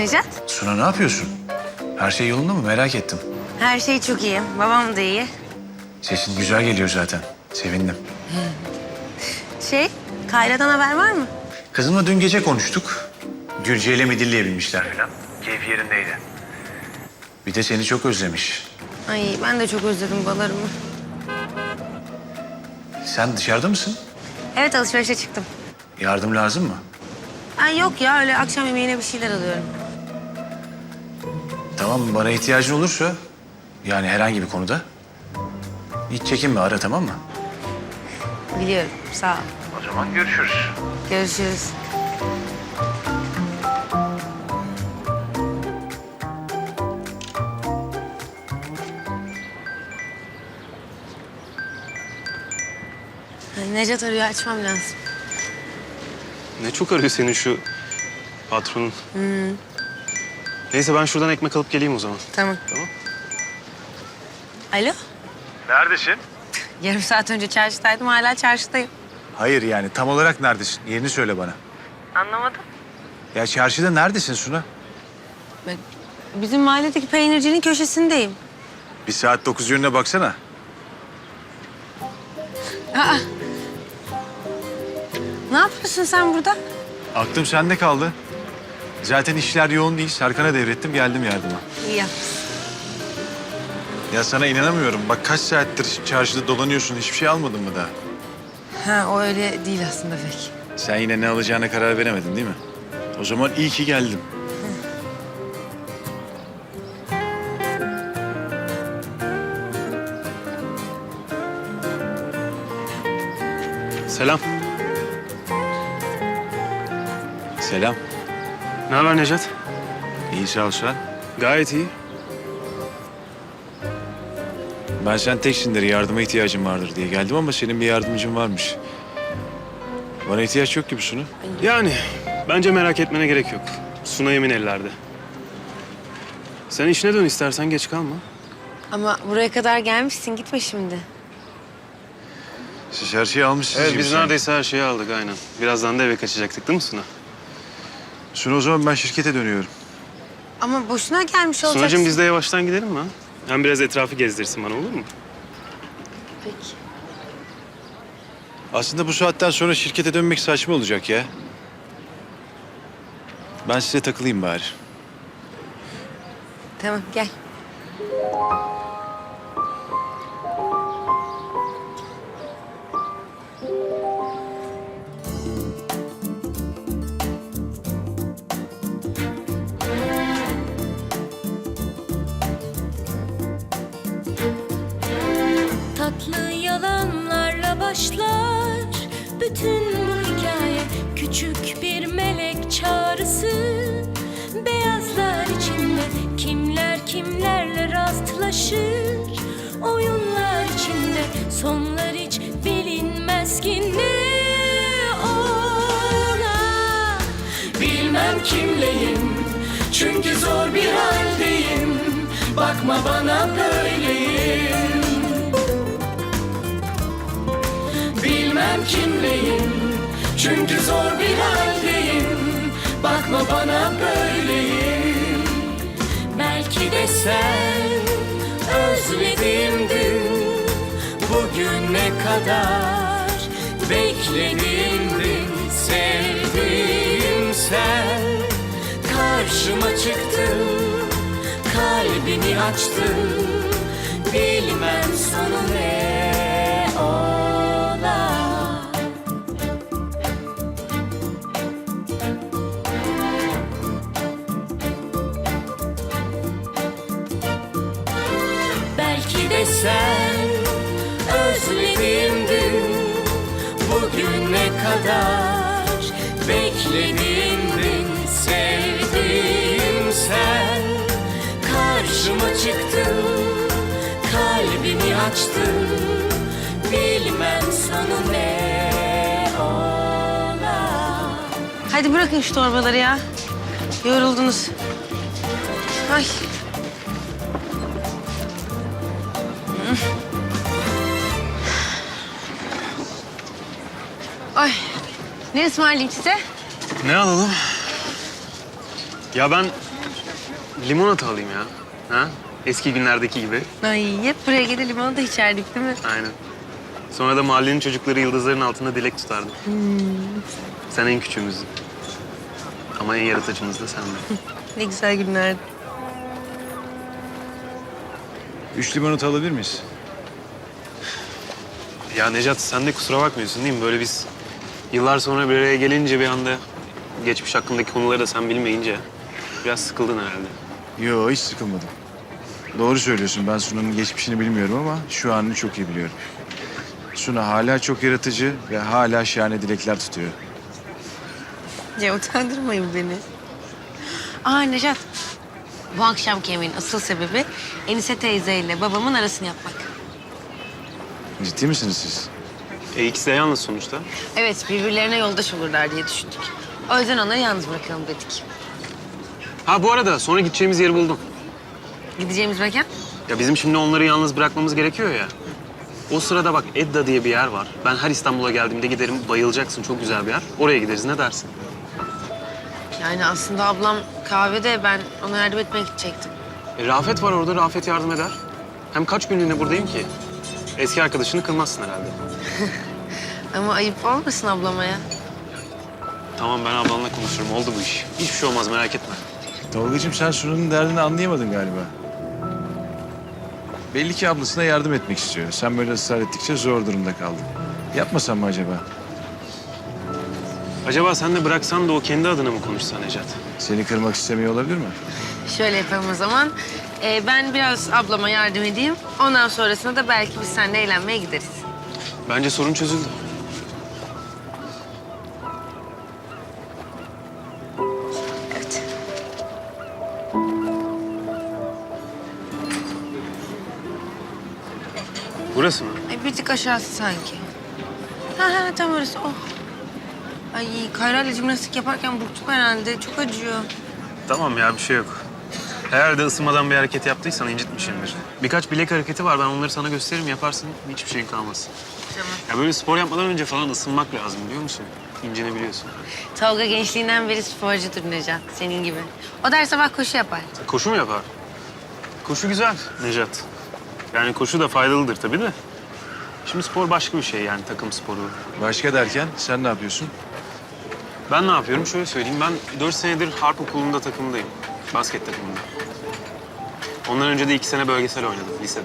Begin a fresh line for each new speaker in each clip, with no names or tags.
Nejat?
Suna ne yapıyorsun? Her şey yolunda mı? Merak ettim.
Her şey çok iyi. Babam da iyi.
Sesin güzel geliyor zaten. Sevindim.
Kayra'dan haber var mı?
Kızımla dün gece konuştuk. Gülce ile midilleyebilmişler falan. Keyfi yerindeydi. Bir de seni çok özlemiş.
Ay ben de çok özledim balarımı.
Sen dışarıda mısın?
Evet, alışverişe çıktım.
Yardım lazım mı?
Ay yok ya, öyle akşam yemeğine bir şeyler alıyorum.
Tamam, bana ihtiyacın olursa, yani herhangi bir konuda, hiç çekinme, ara, tamam mı?
Biliyorum, sağ ol.
O zaman görüşürüz.
Görüşürüz. Ay, Nejat arıyor, açmam lazım.
Ne çok arıyor senin şu patronun. Neyse ben şuradan ekmek alıp geleyim o zaman.
Tamam.
Tamam.
Alo?
Neredesin?
Yarım saat önce çarşıdaydım, hala çarşıdayım.
Hayır yani, tam olarak neredesin? Yerini söyle bana.
Anlamadım.
Ya çarşıda neredesin Suna?
Bizim mahalledeki peynircinin köşesindeyim.
Bir saat 9 yönüne baksana.
Aa! Ne yapıyorsun sen burada?
Aklım sende kaldı. Zaten işler yoğun değil. Serkan'a devrettim, geldim yardıma.
İyi yapmışsın.
Ya sana inanamıyorum. Bak kaç saattir çarşıda dolanıyorsun. Hiçbir şey almadın mı daha?
Ha, o öyle değil aslında pek.
Sen yine ne alacağına karar veremedin değil mi? O zaman iyi ki geldim.
Selam.
Selam.
Ne haber Nejat?
İyi sağ ol sen.
Gayet iyi.
Ben sen teksindir, yardıma ihtiyacım vardır diye geldim ama senin bir yardımcın varmış. Bana ihtiyaç yok gibi Sunu.
Yani bence merak etmene gerek yok. Suna emin ellerde. Sen işine dön istersen, geç kalma.
Ama buraya kadar gelmişsin, gitme şimdi.
Siz her şeyi almışsınız
Evet
gibi
biz
sanki.
neredeyse her şeyi aldık aynen. Birazdan da eve kaçacaktık değil mi Suna?
Sunu, o zaman ben şirkete dönüyorum.
Ama boşuna gelmiş olacaksın.
Sunacığım biz de yavaştan gidelim mi ha? Hem biraz etrafı gezdirsin bana, olur mu?
Peki.
Aslında bu saatten sonra şirkete dönmek saçma olacak ya. Ben size takılayım bari.
Tamam, gel.
Tatlı yalanlarla başlar bütün bu hikaye. Küçük bir melek çağrısı, beyazlar içinde kimler kimlerle rastlaşır. Oyunlar içinde sonlar hiç bilinmez ki ne ola. Bilmem kimleyim çünkü zor bir haldeyim. Bakma bana böyleyim. Bilmem kimleyim çünkü zor bir haldeyim. Bakma bana böyleyim. Belki de sen özlediğim dün, bugüne kadar beklediğim gün. Sevdiğim sen karşıma çıktın, kalbini açtın. Bilmem sonu ne ola. Belki de sen özlediğim dün, bugüne kadar beklediğim gün. Sevdiğim sen karşıma çıktın, kalbimi açtın. Bilmem sonu ne ola.
Hadi bırakın şu torbaları ya. Yoruldunuz. Ay. Ay. Ne ısmarlayayım size?
Ne alalım? Ya ben Limonata alayım ya. Ha? Eski günlerdeki gibi.
Ay hep buraya gelip limonata içerdik değil mi?
Aynen. Sonra da mahallenin çocukları yıldızların altında dilek tutardı. Sen en küçüğümüzdün. Ama en yaratıcımız da sendin.
Ne güzel günlerdi.
3 limonata alabilir miyiz?
Ya Necat sen de kusura bakmıyorsun değil mi? Böyle biz yıllar sonra bir araya gelince bir anda geçmiş hakkındaki konuları da sen bilmeyince biraz sıkıldın herhalde.
Yo, hiç sıkılmadım. Doğru söylüyorsun. Ben Suna'nın geçmişini bilmiyorum ama şu anını çok iyi biliyorum. Suna hala çok yaratıcı ve hala şahane dilekler tutuyor.
Ya utandırmayın beni. Aa Nejat. Bu akşamki yemeğin asıl sebebi Enise teyzeyle babamın arasını yapmak.
Ciddi misiniz siz?
İkisi de yalnız sonuçta.
Evet, birbirlerine yoldaş olurlar diye düşündük. O yüzden onları yalnız bırakalım dedik.
Ha bu arada sonra gideceğimiz yeri buldum.
Gideceğimiz mekan?
Ya bizim şimdi onları yalnız bırakmamız gerekiyor ya. O sırada bak Edda diye bir yer var. Ben her İstanbul'a geldiğimde giderim, bayılacaksın. Çok güzel bir yer. Oraya gideriz, ne dersin?
Yani aslında ablam kahvede, ben ona yardım etmeye gidecektim.
Rafet var orada, Rafet yardım eder. Hem kaç günlüğüne buradayım ki? Eski arkadaşını kırmazsın herhalde.
Ama ayıp olmasın ablama ya.
Tamam ben ablanla konuşurum, oldu bu iş. Hiçbir şey olmaz, merak etme.
Tolgacığım, sen Suna'nın derdini anlayamadın galiba. Belli ki ablasına yardım etmek istiyor. Sen böyle ısrar ettikçe zor durumda kaldın. Yapmasan mı acaba?
Acaba sen de bıraksan da o kendi adına mı konuşsa Necat?
Seni kırmak istemiyor olabilir mi?
Şöyle yapalım o zaman. Ben biraz ablama yardım edeyim. Ondan sonrasında da belki biz seninle eğlenmeye gideriz.
Bence sorun çözüldü.
Evet.
Burası mı?
Ay, bir tık aşağısı sanki. Ha tam orası. Oh. Ay Kayra'yla jimnastik yaparken burktum herhalde. Çok acıyor.
Tamam ya, bir şey yok. Eğer de ısınmadan bir hareket yaptıysan incitmişimdir. Birkaç bilek hareketi var, ben onları sana gösteririm, yaparsın. Hiçbir şeyin kalmaz.
Tamam.
Ya böyle spor yapmadan önce falan ısınmak lazım, biliyor musun? İncenebiliyorsun.
Tolga gençliğinden beri sporcudur Necat. Senin gibi. O da her sabah koşu yapar.
Koşu mu yapar? Koşu güzel Necat. Yani koşu da faydalıdır tabii de. Şimdi spor başka bir şey, yani takım sporu.
Başka derken sen ne yapıyorsun?
Ben ne yapıyorum? Şöyle söyleyeyim. Ben 4 senedir harp okulunda takımdayım. Basket takımında. Ondan önce de 2 sene bölgesel oynadım lisede.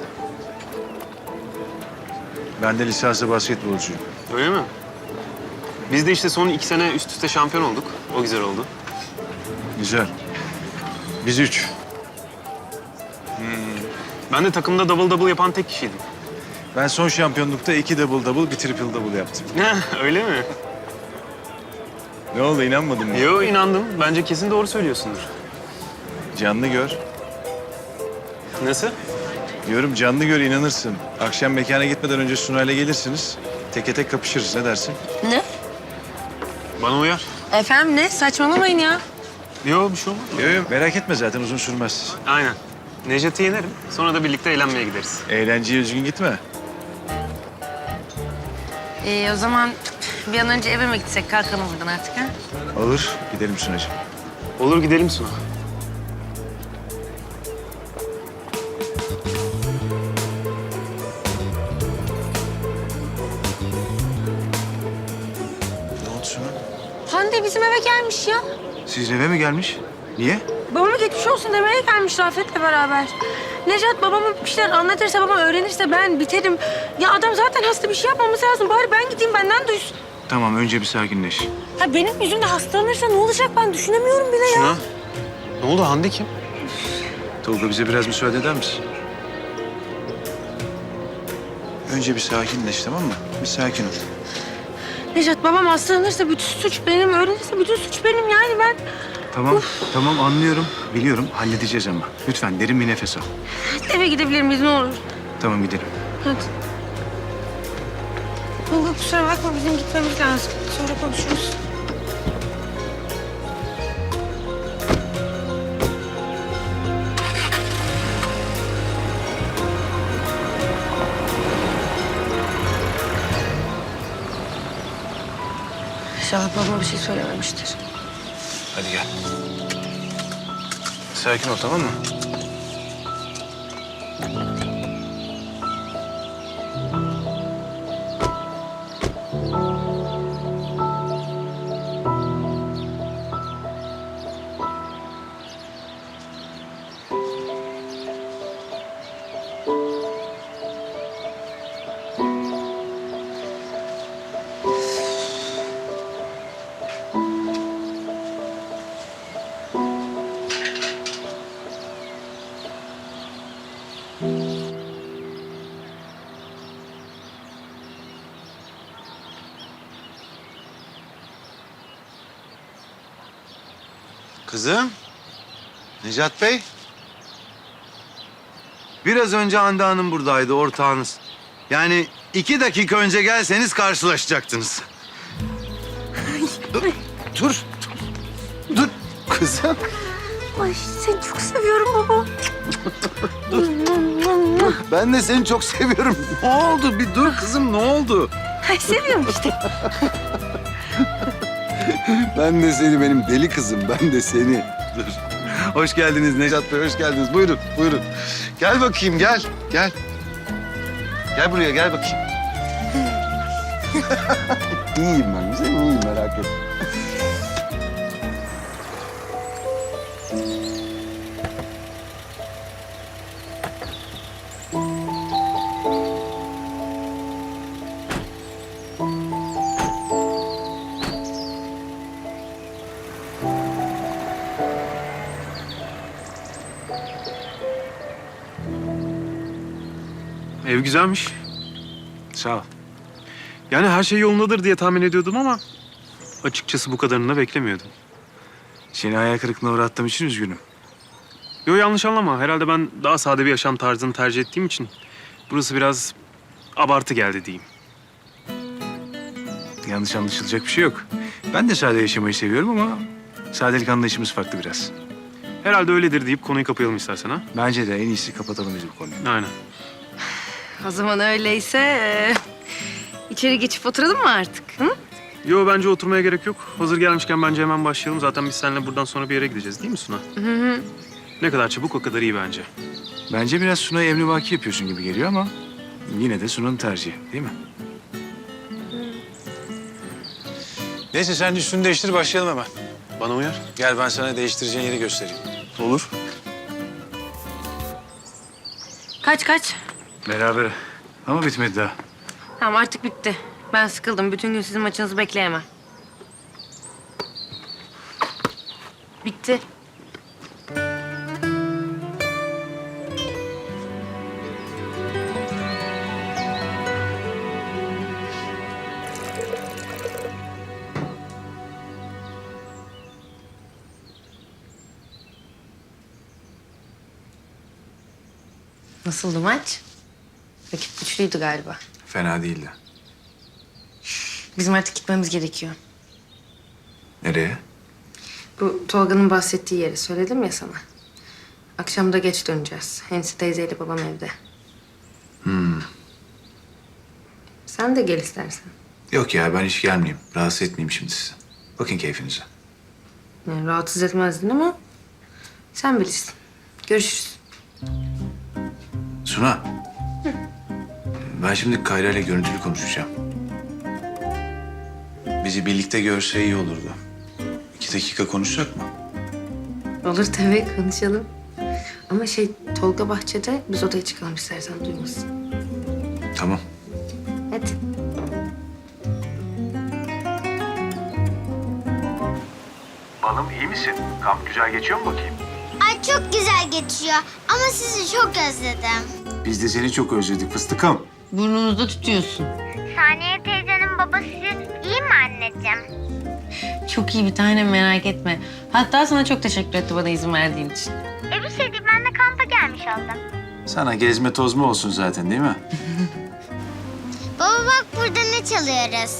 Ben de lisanslı basketbolcuyum.
Öyle mi? Biz de işte son 2 sene üst üste şampiyon olduk. O güzel oldu.
Güzel. Biz 3.
Ben de takımda double double yapan tek kişiydim.
Ben son şampiyonlukta 2 double double, bir triple double yaptım.
Öyle mi?
Ne oldu, inanmadın mı?
Yo, inandım. Bence kesin doğru söylüyorsundur.
Canlı gör.
Nasıl?
Diyorum canlı gör, inanırsın. Akşam mekana gitmeden önce Sunay'la gelirsiniz. Teke tek kapışırız, ne dersin?
Ne?
Bana uyar.
Efendim ne? Saçmalamayın ya.
Yo, bir şey olmaz.
Yok yok, merak etme, zaten uzun sürmez.
Aynen. Necat'ı yenerim. Sonra da birlikte eğlenmeye gideriz.
Eğlenceye üzgün gitme.
O zaman bir an önce eve mi gitsek? Kalkalım buradan artık ha?
Olur, gidelim Sunacığım.
Olur, gidelim Suna.
Ne oldu Suna?
Hande bizim eve gelmiş ya.
Siz eve mi gelmiş? Niye?
Babama geçmiş olsun demeye gelmiş Rafet'le beraber. Necat babama bir şeyler anlatırsa, babam öğrenirse ben biterim. Ya adam zaten hasta, bir şey yapmamız lazım. Bari ben gideyim, benden duysun.
Tamam, önce bir sakinleş.
Ha benim yüzümde hastalanırsa ne olacak, ben düşünemiyorum bile ya.
Suna. Ne oldu? Hande kim?
Tolga, bize biraz müsaade eder misin? Önce bir sakinleş, tamam mı? Bir sakin ol.
Necat babam hastalanırsa bütün suç benim, öğrenirse bütün suç benim yani ben.
Tamam, tamam anlıyorum. Biliyorum, halledeceğiz ama. Lütfen derin bir nefes al.
Eve gidebilir miyiz ne olur?
Tamam, gidelim.
Hadi. Tolga kusura bakma, bizim gitmemiz lazım. Sonra konuşuruz. İnşallah babama bir şey söylememiştir.
Hadi gel. sakin ol, tamam mı?
Kızım, Necat Bey. Biraz önce Hande Hanım buradaydı, ortağınız. Yani 2 dakika önce gelseniz karşılaşacaktınız. Dur, dur kızım.
Ay seni çok seviyorum baba.
Ben de seni çok seviyorum. Ne oldu? Bir dur kızım, ne oldu?
Ay seviyorum işte.
Ben de seni, benim deli kızım. Ben de seni. Dur. Hoş geldiniz Necat Bey, hoş geldiniz. Buyurun, buyurun. Gel bakayım, gel, gel. Gel buraya, gel bakayım. İyiyim ben, güzelim, iyiyim, merak etme.
Ev güzelmiş.
Sağ ol.
Yani her şey yolundadır diye tahmin ediyordum ama açıkçası bu kadarını da beklemiyordum.
Seni hayal kırıklığına uğrattığım için üzgünüm.
Yo, yanlış anlama. Herhalde ben daha sade bir yaşam tarzını tercih ettiğim için burası biraz abartı geldi diyeyim.
Yanlış anlaşılacak bir şey yok. Ben de sade yaşamayı seviyorum ama sadelik anlayışımız farklı biraz.
Herhalde öyledir deyip konuyu kapayalım istersen ha.
Bence de en iyisi kapatalım biz bu konuyu.
Aynen.
O zaman öyleyse içeri geçip oturalım mı artık? Hı?
Yo, bence oturmaya gerek yok. Hazır gelmişken bence hemen başlayalım. Zaten biz seninle buradan sonra bir yere gideceğiz değil mi Suna?
Hı.
Ne kadar çabuk o kadar iyi bence.
Bence biraz Suna'yı emrivaki yapıyorsun gibi geliyor ama yine de Suna'nın tercihi değil mi? Neyse sen üstünü değiştir başlayalım hemen.
Bana uyar.
Gel ben sana değiştireceğin yeri göstereyim.
Olur.
Kaç?
Beraber. Ama bitmedi daha.
Tamam artık bitti. Ben sıkıldım. Bütün gün sizin maçınızı bekleyemem. Bitti. Nasıldı maç? Rakip güçlüydü galiba.
Fena değildi.
Bizim artık gitmemiz gerekiyor.
Nereye?
Bu Tolga'nın bahsettiği yere söyledim ya sana. Akşam da geç döneceğiz. Hensi teyzeyle babam evde. Sen de gel istersen.
Yok ya ben hiç gelmeyeyim. Rahatsız etmeyeyim şimdi sizi. Bakın keyfinize.
Yani rahatsız etmezdin ama sen bilirsin. Görüşürüz.
Suna. Ben şimdi Kayra ile görüntülü konuşacağım. Bizi birlikte görse iyi olurdu. 2 dakika konuşacak mı?
Olur tabii konuşalım. Ama Tolga bahçede biz odaya çıkalım istersen duymasın.
Tamam.
Hadi.
Balım iyi misin? Kamp güzel geçiyor mu bakayım?
Ay çok güzel geçiyor ama sizi çok özledim.
Biz de seni çok özledik fıstıkım.
Burnunuzda tutuyorsun.
Saniye teyzenin babası iyi mi anneciğim?
Çok iyi bir tane merak etme. Hatta sana çok teşekkür etti bana izin verdiğin için.
Bir şey değil, ben de kampa gelmiş oldum.
Sana gezme tozma olsun zaten değil mi?
Baba bak burada ne çalıyoruz?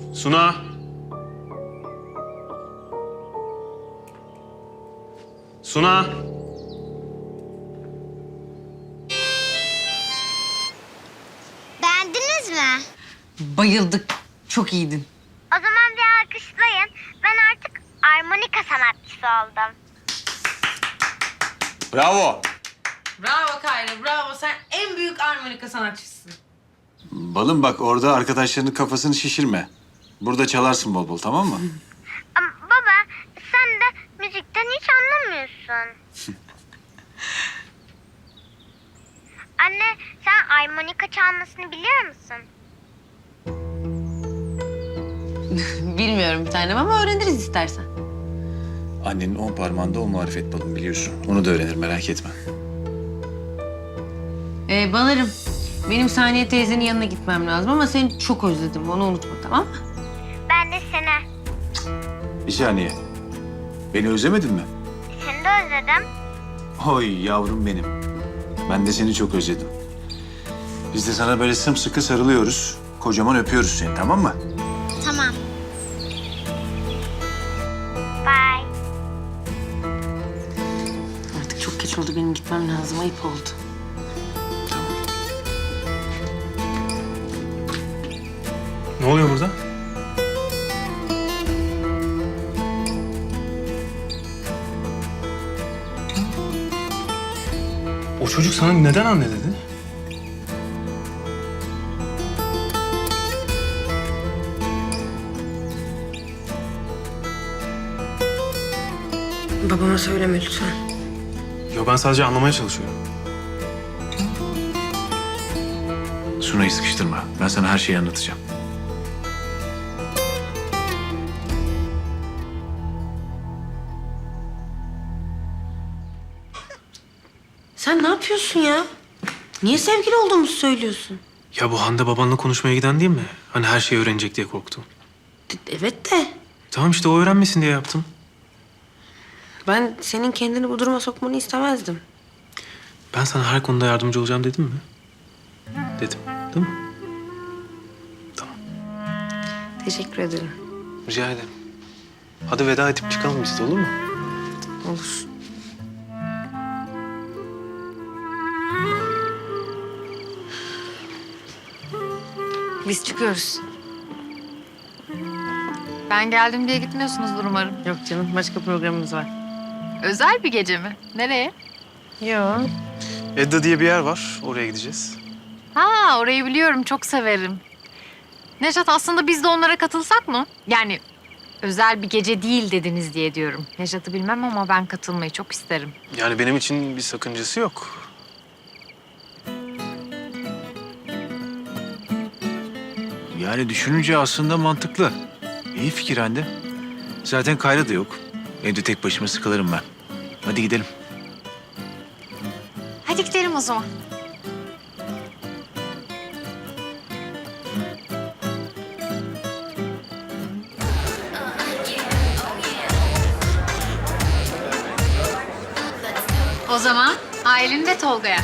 Suna. Suna.
Beğendiniz mi?
Bayıldık. Çok iyiydin.
O zaman bir alkışlayın. Ben artık armonika sanatçısı oldum.
Bravo.
Bravo Kayra, bravo. Sen en büyük armonika sanatçısısın.
Balım bak orada arkadaşlarının kafasını şişirme. Burada çalarsın bol bol, tamam mı?
Ama baba sen de müzikten hiç anlamıyorsun. Anne sen armonika çalmasını biliyor musun?
Bilmiyorum bir tanem ama öğreniriz istersen.
Annenin 10 parmağında o marifet balım biliyorsun. Onu da öğrenir, merak etme.
Balarım, benim Saniye teyzenin yanına gitmem lazım ama seni çok özledim. Onu unutma, tamam mı?
Ben de seni.
Bir saniye. Beni özlemedin mi?
Seni de özledim.
Oy yavrum benim. Ben de seni çok özledim. Biz de sana böyle sımsıkı sarılıyoruz. Kocaman öpüyoruz seni, tamam mı?
Tamam. Bye.
Artık çok geç oldu. Benim gitmem lazım. Ayıp oldu.
Ne oluyor burada? O çocuk sana neden anne dedi?
Babama söyleme lütfen.
Yo, ben sadece anlamaya çalışıyorum.
Sunay'ı sıkıştırma. Ben sana her şeyi anlatacağım.
Sen ne yapıyorsun ya? Niye sevgili olduğumuzu söylüyorsun?
Ya bu Hande babanla konuşmaya giden değil mi? Hani her şeyi öğrenecek diye korktu.
Evet de
Tamam işte o öğrenmesin diye yaptım.
ben senin kendini bu duruma sokmanı istemezdim.
Ben sana her konuda yardımcı olacağım dedim mi? Dedim, değil mi? Tamam,
Teşekkür ederim.
rica ederim. Hadi veda edip çıkalım biz de, olur mu?
Olur. Biz çıkıyoruz.
Ben geldim diye gitmiyorsunuzdur umarım.
Yok canım, başka programımız var.
Özel bir gece mi? Nereye?
Yok.
Edda diye bir yer var, oraya gideceğiz.
Ha, orayı biliyorum, çok severim. Nejat, aslında biz de onlara katılsak mı? Yani özel bir gece değil dediniz diye diyorum. Nejat'ı bilmem ama ben katılmayı çok isterim.
Yani benim için bir sakıncası yok.
Yani düşününce aslında mantıklı. İyi fikir Hande. Zaten Kayra da yok. Evde tek başıma sıkılırım ben. Hadi gidelim.
Hadi gidelim o zaman. O zaman Aylin ve Tolga'ya.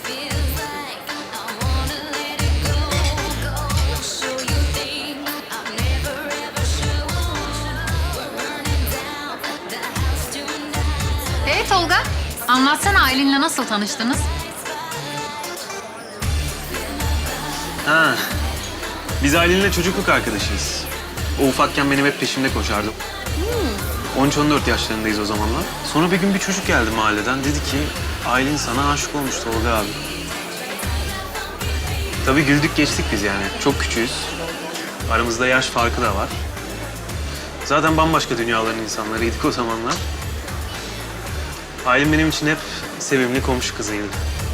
Tolga, anlatsana Aylin'le nasıl tanıştınız?
Ha, biz Aylin'le çocukluk arkadaşıyız. O ufakken benim hep peşimde koşardı. 13-14 yaşlarındayız o zamanlar. Sonra bir gün bir çocuk geldi mahalleden. Dedi ki, Aylin sana aşık olmuş Tolga abi. Tabii güldük geçtik biz yani. Çok küçüğüz. Aramızda yaş farkı da var. Zaten bambaşka dünyaların insanlarıydık o zamanlar. Aylin benim için hep sevimli komşu kızıydı.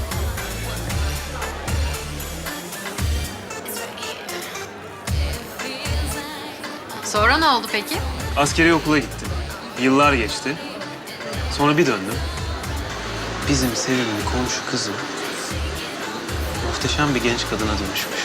Sonra ne oldu peki?
Askeri okula gittim. Yıllar geçti. Sonra bir döndüm. Bizim sevimli komşu kızı muhteşem bir genç kadına dönüşmüş.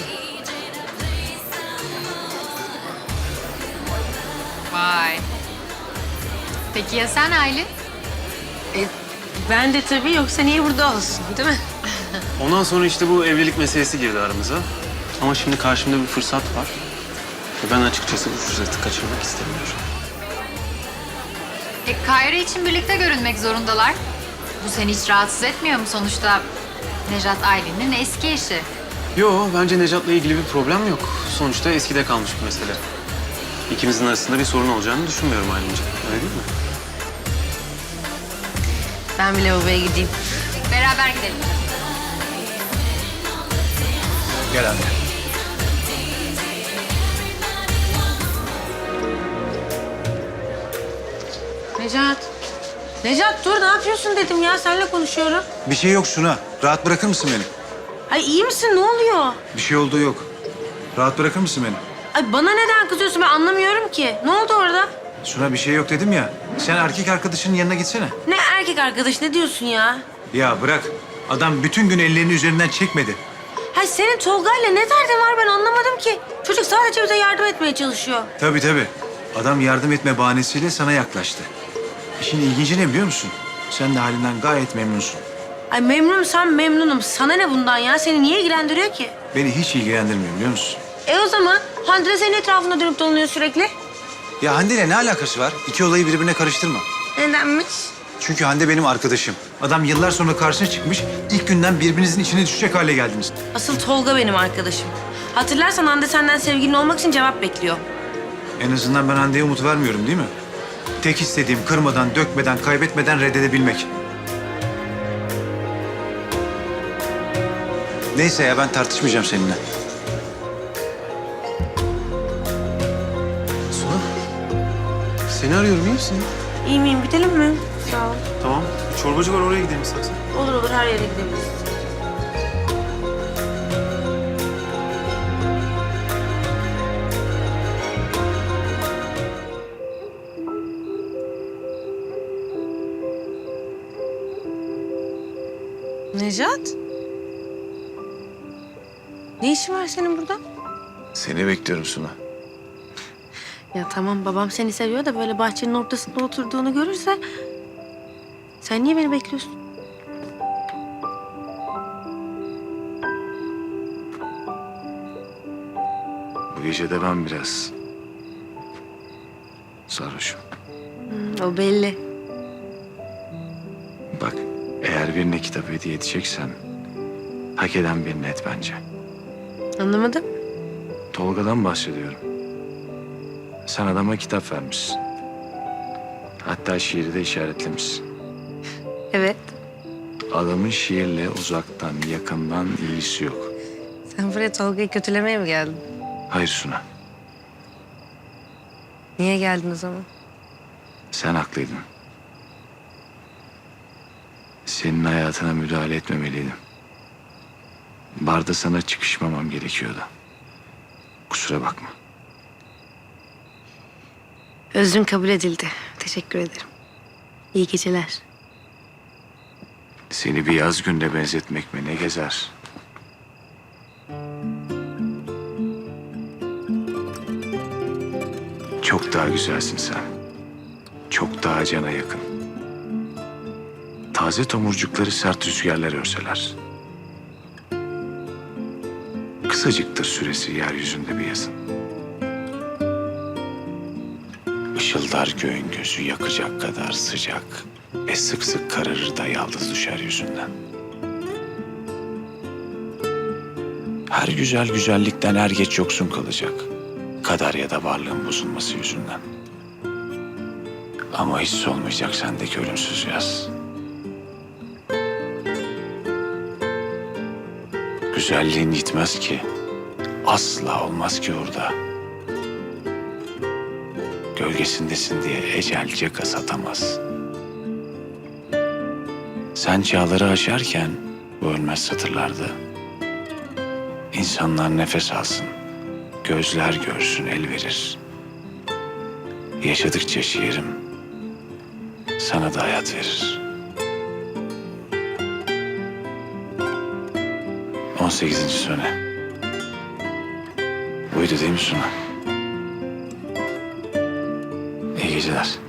Vay. Peki ya sen Aylin?
Ben de tabii, yoksa niye burada olsun, değil mi?
Ondan sonra işte bu evlilik meselesi girdi aramıza. Ama şimdi karşımda bir fırsat var. Ve ben açıkçası bu fırsatı kaçırmak istemiyorum.
Kayra için birlikte görünmek zorundalar. Bu seni hiç rahatsız etmiyor mu sonuçta? Nejat Aylin'in eski eşi.
Yo, bence Nejat'la ilgili bir problem yok. Sonuçta eskide kalmış bir mesele. İkimizin arasında bir sorun olacağını düşünmüyorum Aylin'ciğim. Öyle değil mi?
Ben bile babaya gideyim.
Beraber gidelim.
Gel anne.
Necat. Necat dur ne yapıyorsun dedim ya seninle konuşuyorum.
Bir şey yok Suna. Rahat bırakır mısın beni?
Ay iyi misin ne oluyor?
Bir şey olduğu yok. Rahat bırakır mısın beni?
Ay bana neden kızıyorsun ben anlamıyorum ki. Ne oldu orada?
Suna bir şey yok dedim ya. Sen erkek arkadaşının yanına gitsene.
Ne erkek arkadaş ne diyorsun ya?
Ya bırak. Adam bütün gün ellerini üzerinden çekmedi.
Hay senin Tolga'yla ne derdin var ben anlamadım ki. Çocuk sadece bize yardım etmeye çalışıyor.
Tabii tabii. Adam yardım etme bahanesiyle sana yaklaştı. İşin ilginci ne biliyor musun? Sen de halinden gayet memnunsun.
Ay memnunsam memnunum. Sana ne bundan ya? Seni niye ilgilendiriyor ki?
Beni hiç ilgilendirmiyor biliyor musun?
O zaman Hande senin etrafında dönüp dolanıyor sürekli.
Ya Hande ile ne alakası var? İki olayı birbirine karıştırma.
Nedenmiş?
Çünkü Hande benim arkadaşım. Adam yıllar sonra karşına çıkmış. İlk günden birbirinizin içine düşecek hale geldiniz.
Asıl Tolga benim arkadaşım. Hatırlarsan Hande senden sevgilin olmak için cevap bekliyor.
En azından ben Hande'ye umut vermiyorum değil mi? Tek istediğim kırmadan, dökmeden, kaybetmeden reddedebilmek. Neyse ya ben tartışmayacağım seninle.
Suna, seni arıyorum, iyi misin?
İyi miyim? Bitelim mi? Sağ ol.
Tamam, bir çorbacı var, oraya gidelim istersen.
Olur olur her yere gidebiliriz. Nejat? Ne işin var senin burada?
Seni bekliyorum Suna.
Ya tamam babam seni seviyor da böyle bahçenin ortasında oturduğunu görürse... Sen niye beni bekliyorsun?
Bu gece de ben biraz sarhoşum.
O belli.
Bak eğer birine kitap hediye edeceksen hak eden birine et bence.
Anlamadım.
Tolga'dan bahsediyorum. Sen adama kitap vermişsin. Hatta şiiri de işaretlemişsin.
Evet.
Adamın şiirle uzaktan, yakından ilgisi yok.
Sen buraya Tolga'yı kötülemeye mi geldin?
Hayır Suna,
Niye geldin o zaman?
sen haklıydın. Senin hayatına müdahale etmemeliydim. Barda sana çıkışmamam gerekiyordu. Kusura bakma.
Özrün kabul edildi. Teşekkür ederim. İyi geceler.
Seni bir yaz günde benzetmek mi ne gezer? Çok daha güzelsin sen. Çok daha cana yakın. Taze tomurcukları sert rüzgarlar örseler. Kısacıktır süresi yeryüzünde bir yazın. Işıldar göğün gözü yakacak kadar sıcak ve sık sık kararır da yaldız düşer yüzünden. Her güzel güzellikten er geç yoksun kalacak. Kader ya da varlığın bozulması yüzünden. Ama hiç olmayacak sendeki ölümsüz yaz. Güzelliğin gitmez ki. Asla olmaz ki orada. Gölgesindesin diye ecel caka satamaz. Sen çağları aşarken bu ölmez satırlarda. İnsanlar nefes alsın, gözler görsün el verir. Yaşadıkça şiirim sana da hayat verir. 18. sone. Buydu değil mi Suna? İyi geceler.